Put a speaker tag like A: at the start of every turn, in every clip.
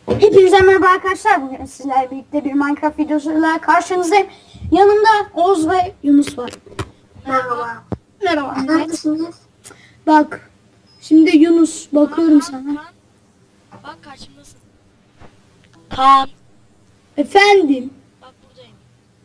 A: Hepinize merhaba arkadaşlar. Bugün sizlerle birlikte bir Minecraft videosuyla karşınızdayım. Yanımda Oğuz ve Yunus var.
B: Merhaba.
A: Merhaba. Evet.
B: Neredesiniz?
A: Bak. Şimdi Yunus bakıyorum sana.
C: Kaan. Bak karşımdasın. Kaan.
A: Efendim.
C: Bak buradayım.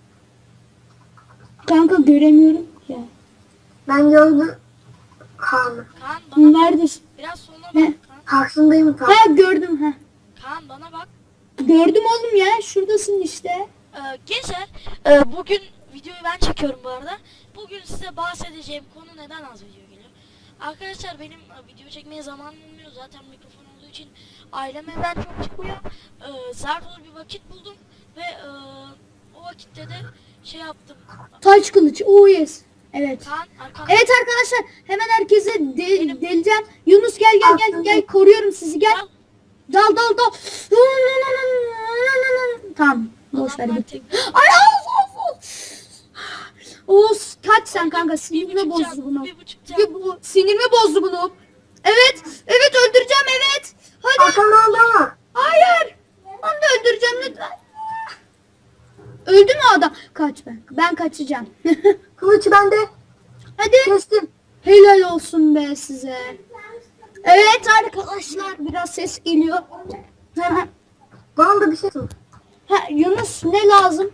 A: Kanka göremiyorum ya.
B: Ben gördüm Kaan'ı.
C: Kaan bana bak.
A: Neredesin?
C: Biraz sonra bak.
A: Ne?
C: Kaan.
B: Karşındayım tam.
A: Ha gördüm ha.
C: Kaan bana bak.
A: Gördüm oğlum ya. Şuradasın işte.
C: Gençler bugün videoyu ben çekiyorum bu arada. Bugün size bahsedeceğim konu neden az video geliyor. Arkadaşlar benim video çekmeye zamanım olmuyor. Zaten mikrofon olduğu için ailem evden çok çıkmıyor. Zar zor bir vakit buldum. Ve o vakitte de şey yaptım.
A: Taç kılıç. Oh yes. Evet.
C: Kaan arkamda.
A: Evet arkadaşlar. Hemen herkese deleceğim. Yunus gel. Koruyorum sizi gel. Dal. Tamam. Boş ver
C: Adamlar
A: git.
C: tek-
A: Ay Oğuz kaç sen kanka, sinirimi bozdu bunu.
C: 1,5 can.
A: Bu sinirimi bozdu bunu. Evet öldüreceğim evet. Hadi.
B: Arkamda adam var.
A: Hayır. Onu da öldüreceğim lütfen. Öldü mü adam? Kaç ben kaçacağım.
B: Kılıç bende.
A: Hadi.
B: Kestim.
A: Helal olsun be size. Evet arkadaşlar biraz ses geliyor. Hemen.
B: Bana da bir şey sor.
A: Ha, Yunus ne lazım?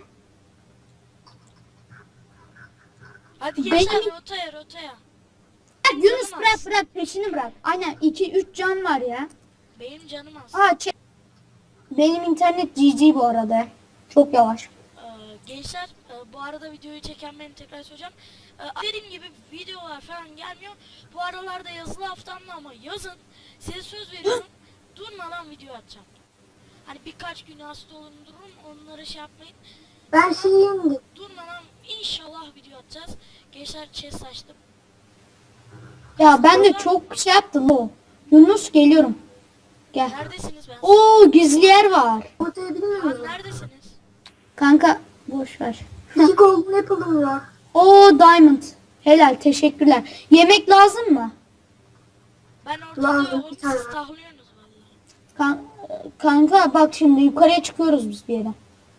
C: Hadi gençler
A: Benim-
C: rotaya.
A: Ha, Yunus
C: Canım az.
A: bırak peşini bırak. Aynen 2-3 can var ya.
C: Benim canım az.
A: Benim internet GG bu arada. Çok yavaş.
C: Gençler bu arada videoyu çeken benim tekrar söyleyeceğim. Dediğim gibi videolar falan gelmiyor. Bu aralarda yazılı haftamda ama yazın. Size söz veriyorum. Durmadan video atacağım. Hani birkaç gün hasta olun dururum. Onları şey yapmayın.
B: Ben şeyim.
C: Durmadan inşallah video atacağız. Gençler chest açtım.
A: Ya ben de çok şey yaptım o. Yunus geliyorum. Gel.
C: Neredesiniz ben?
A: Oo gizli yer var.
B: Ortaya bilmiyor
C: Kaan
B: musun?
C: neredesiniz?
A: Kanka boş ver.
B: 2 golden apple'ım var.
A: Oo diamond. Helal teşekkürler. Yemek lazım mı?
C: Ben ortada
B: Lazım,
C: yokum.
B: bir tane
C: Siz
B: var.
C: tahlıyorsunuz valla.
A: Kanka bak şimdi yukarıya çıkıyoruz biz bir yere.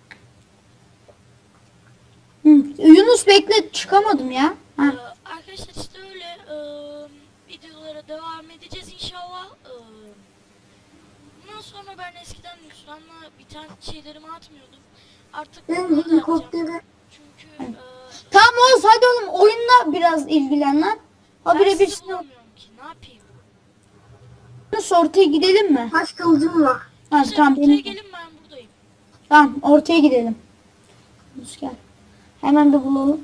A: Yunus bekle çıkamadım ya. Ha.
C: Arkadaşlar işte öyle videolara devam edeceğiz inşallah. Bundan sonra ben eskiden Nusran'la biten şeylerimi atmıyordum. Artık
B: Ben
C: bunları da atacağım.
B: helikoptere.
C: Çünkü
A: Tamam Oğuz hadi oğlum oyunla biraz ilgilen lan.
C: ben
A: Habire bir
C: sizi bulamıyorum ki. Ne yapayım?
A: Yunus ortaya gidelim mi?
B: Taş kılıcım var.
A: Ha,
C: Siz
A: tamam
C: ortaya
A: benim.
C: gelin ben buradayım.
A: Tamam ortaya gidelim. Yunus gel. Hemen bir bulalım.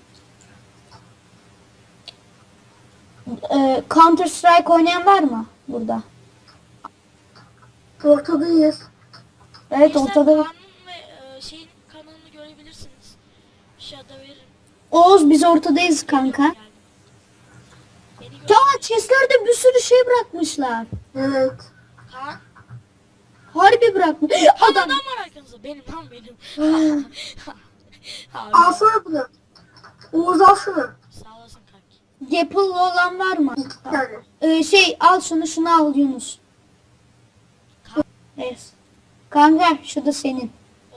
A: Counter Strike oynayan var mı burada?
B: Ortadayız.
A: Evet
C: Gençler,
A: ortada.
C: Kaan'ın ve şeyin kanalını görebilirsiniz. Aşağıda veririm.
A: Oğuz biz ortadayız kanka.
C: Yani. Beni gör.
A: Ya chestlerde bir sürü şey bırakmışlar.
B: Evet.
C: Kaan.
A: Harbi bırakmış.
C: Adam.
A: Adam.
C: Adam var arkanızda. Benim lan benim. Abi,
B: Alsana bunu. Oğuz al şunu.
C: sağ olasın kanki.
A: Gapple olan var mı?
B: 2 tane.
A: Şey al şunu al Yunus. Evet. Kanka şu da senin.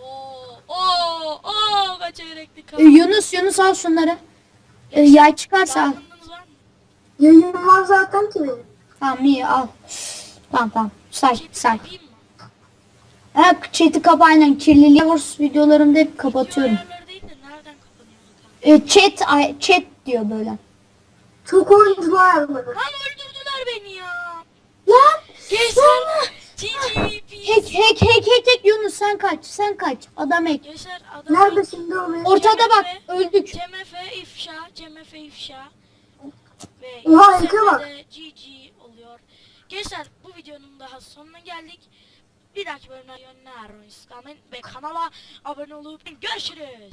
C: Oo, kaç yürekli Kaan.
A: Yunus al şunları. Yay çıkarsa al.
C: Diamond'ınız var mı?
B: Yayın var zaten ki benim.
A: Tamam iyi al. Tamam. Say.
C: Chat'i yapayım mı?
A: Ha, chat'i kapa aynen. Kirliliği Wars videolarımda hep kapatıyorum.
C: Video ayarları değil de nereden kapanıyordu Kaan?
A: Chat diyor böyle.
B: Çok oyuncu var bana.
C: Lan öldürdüler beni ya.
A: Lan!
C: Gençler. GGVP.
A: Hack Yunus sen kaç. Adam hack.
C: Gençler adam.
B: Nerede şimdi o benim?
A: Ortada bak öldük.
C: CMF ifşa. Ve
B: Oha,
C: yükselme
B: eke bak.
C: de GG oluyor. Gençler bu videonun daha sonuna geldik. Bir dahaki bölümde yönler ve kanala abone olup görüşürüz.